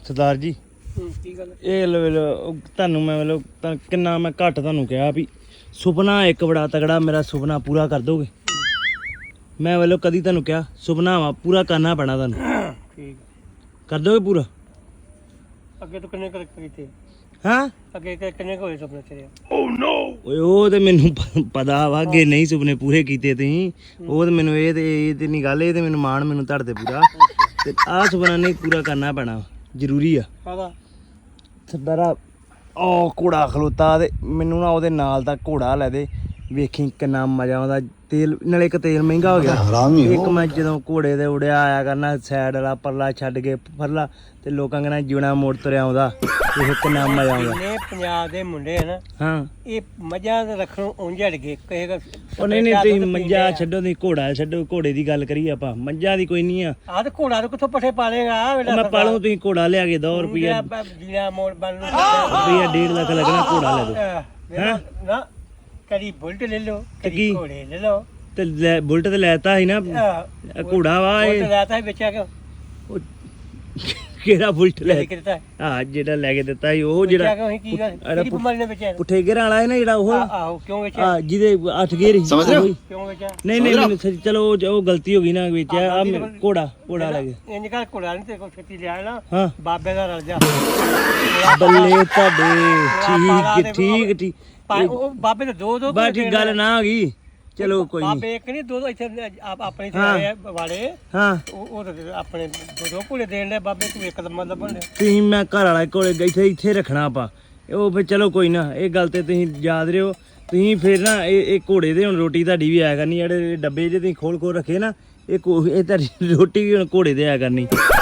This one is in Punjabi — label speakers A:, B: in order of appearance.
A: ਸਰਦਾਰ ਜੀ
B: ਕੀ ਗੱਲ
A: ਇਹ ਤੁਹਾਨੂੰ ਮੈਂ ਮਤਲਬ ਕਿੰਨਾ ਮੈਂ ਘੱਟ ਤੁਹਾਨੂੰ ਕਿਹਾ ਵੀ ਸੁਪਨਾ ਇੱਕ ਬੜਾ ਤਗੜਾ ਮੇਰਾ ਸੁਪਨਾ ਪੂਰਾ ਕਰ ਦੋਗੇ। ਮੈਂ ਕਦੀ ਤੁਹਾਨੂੰ ਕਿਹਾ ਸੁਪਨਾ ਵਾ ਪੂਰਾ ਕਰਨਾ ਪੈਣਾ ਤੁਹਾਨੂੰ।
B: ਠੀਕ
A: ਕਰ ਦੋਗੇ ਪੂਰਾ?
B: ਅੱਗੇ ਤੋਂ ਕਿੰਨੇ ਕਰ ਕੀਤੇ?
A: ਹਾਂ
B: ਅੱਗੇ ਕਿੰਨੇ ਹੋਏ ਸੁਪਨੇ ਤੇਰੇ?
A: ਓਏ ਉਹ ਤੇ ਮੈਨੂੰ ਪਤਾ ਵਾ ਅੱਗੇ ਨਹੀਂ ਸੁਪਨੇ ਪੂਰੇ ਕੀਤੇ ਤੁਸੀਂ। ਉਹ ਤੇ ਮੈਨੂੰ ਇਹ ਤੇ ਨਹੀਂ ਗੱਲ, ਇਹ ਤੇ ਮੈਨੂੰ ਮਾਣ ਮੈਨੂੰ ਤੁਹਾਡੇ ਤੇ ਪੂਰਾ। ਤੇ ਆਹ ਸੁਪਨਾ ਨਹੀਂ ਪੂਰਾ ਕਰਨਾ ਪੈਣਾ, ਜ਼ਰੂਰੀ ਆ।
B: ਕਾਹਦਾ?
A: ਸਰਦਾਰਾ ਉਹ ਘੋੜਾ ਖਲੋਤਾ ਤੇ ਮੈਨੂੰ ਨਾ ਉਹਦੇ ਨਾਲ ਦਾ ਘੋੜਾ ਲੈ ਦੇ, ਵੇਖੀ ਕਿੰਨਾ ਮਜ਼ਾ ਆਉਂਦਾ। ਤੇਲ ਨਾਲੇ ਇੱਕ ਤੇਲ ਮਹਿੰਗਾ ਹੋ ਗਿਆ। ਇੱਕ ਮੈਂ ਜਦੋਂ ਘੋੜੇ ਤੇ ਉੜਿਆ ਆਇਆ ਕਰਨਾ ਸਾਈਡ ਵਾਲਾ ਪਰਲਾ ਛੱਡ ਕੇ ਪਰਲਾ, ਤੇ ਲੋਕਾਂ ਕਹਿਣਾ ਜੂਣਾ ਮੋੜ ਤੁਰਿਆ ਆਉਂਦਾ। ਇਹ ਕਿੰਨਾ ਮਜ਼ਾ ਆਉਂਦਾ।
B: ਜਿੰਨੇ ਪੰਜਾਬ ਦੇ ਮੁੰਡੇ ਹਨ
A: ਹਾਂ
B: ਇਹ ਮੱਝਾਂ ਦੇ ਰੱਖਣੋਂ ਉਂਝ ਹਟ ਗਏ। ਕਿਸੇ
A: ਉਹ ਨਹੀਂ ਤੁਸੀਂ ਮੱਝਾਂ ਛੱਡੋ, ਤੁਸੀਂ ਘੋੜਾ ਛੱਡੋ। ਘੋੜੇ ਦੀ ਗੱਲ ਕਰੀਏ ਆਪਾਂ, ਮੱਝਾਂ ਦੀ ਕੋਈ ਨਹੀਂ ਆ।
B: ਆਹ ਤੇ ਘੋੜਾ ਤੋਂ ਕਿੱਥੋਂ ਪੱਠੇ ਪਾ ਲੇਗਾ?
A: ਮੈਂ ਪਾਲੂ, ਤੁਸੀਂ ਘੋੜਾ ਲਿਆ ਕੇ 2 ਰੁਪਈਆ
B: ਜੀਣਾ ਮੋੜ ਬਣ ਨੂੰ
A: ਰੁਪਈਆ 1.5 ਲੱਖ ਲੱਗਣਾ, ਘੋੜਾ ਲੈ ਦੋ।
B: ਨਾ ਕਦੀ ਬੁਲਟ ਲੈ ਲਓ,
A: ਕੀ?
B: ਕਦੀ ਘੋੜੇ ਲੈ ਲਓ।
A: ਤੇ ਬੁਲਟ ਤੇ ਲੈਤਾ ਸੀ ਨਾ, ਘੋੜਾ ਵਾ ਇਹ।
B: ਬੁਲਟ ਲੈਤਾ ਸੀ, ਵੇਚਿਆ ਕਿਉਂ?
A: ਕਿਹੜਾ ਬੁਲਟ ਲੈ?
B: ਕਿਹਦਾ?
A: ਹਾਂ ਜਿਹੜਾ ਲੈ ਕੇ ਦਿੱਤਾ ਸੀ ਉਹ ਜਿਹੜਾ
B: ਕੀ ਗੱਲ? ਕਿਹੜੀ ਬਿਮਾਰੀ ਨੇ ਵੇਚਿਆ?
A: ਪੁੱਠੇ ਗੇਰਾਂ ਵਾਲਾ ਹੈ ਨਾ ਜਿਹੜਾ ਉਹ।
B: ਆਹੋ ਕਿਉਂ ਵੇਚਿਆ?
A: ਹਾਂ ਜਿਹਦੇ 8 ਗੇਰ ਸੀ।
B: ਕਿਉਂ ਵੇਚਿਆ?
A: ਨਹੀਂ ਮੈਨੂੰ ਚਲੋ ਉਹ ਗਲਤੀ ਹੋ ਗਈ ਨਾ, ਵੇਚਿਆ ਆ ਘੋੜਾ ਲੈ ਕੇ।
B: ਇੰਜ ਕਰ, ਘੋੜਾ ਨਹੀਂ ਤੇ ਕੋਈ ਛੇਤੀ ਲਿਆ ਨਾ,
A: ਹਾਂ
B: ਬਾਬੇ ਦਾ ਰਲ ਜਾ।
A: ਬੱਲੇ ਤੁਹਾਡੇ। ਠੀਕ
B: ਉਹ ਬਾਬੇ ਦੇ ਦੋ
A: ਬਸ ਠੀਕ ਗੱਲ ਨਾ ਆ ਗਈ। ਚਲੋ ਕੋਈ ਨਹੀਂ।
B: ਬਾਬੇ ਇੱਕ ਨਹੀਂ ਦੋ ਇੱਥੇ ਆਪਣੇ ਤੇ ਵਾਲੇ।
A: ਹਾਂ
B: ਉਹ ਆਪਣੇ ਦੋ ਘੋੜੇ ਦੇਣ ਦੇ ਬਾਬੇ, ਤੂੰ ਇੱਕ ਦਾ ਮਤਲਬ ਬਣ ਲਿਆ।
A: ਤੁਸੀਂ ਮੈਂ ਘਰ ਵਾਲਾ ਕੋਲੇ ਇੱਥੇ ਰੱਖਣਾ ਆਪਾਂ ਉਹ। ਫਿਰ ਚਲੋ ਕੋਈ ਨਾ, ਇਹ ਗੱਲ ਤੇ ਤੁਸੀਂ ਯਾਦ ਰਿਓ। ਤੁਸੀਂ ਫਿਰ ਨਾ ਇਹ ਘੋੜੇ ਦੇ ਹੁਣ ਰੋਟੀ ਤੁਹਾਡੀ ਵੀ ਆਇਆ ਕਰਨੀ। ਜਿਹੜੇ ਡੱਬੇ ਜੇ ਤੁਸੀਂ ਖੋਲ ਰੱਖੇ ਨਾ, ਇਹ ਤੁਹਾਡੀ ਰੋਟੀ ਵੀ ਹੁਣ ਘੋੜੇ ਦੇ ਆਇਆ ਕਰਨੀ।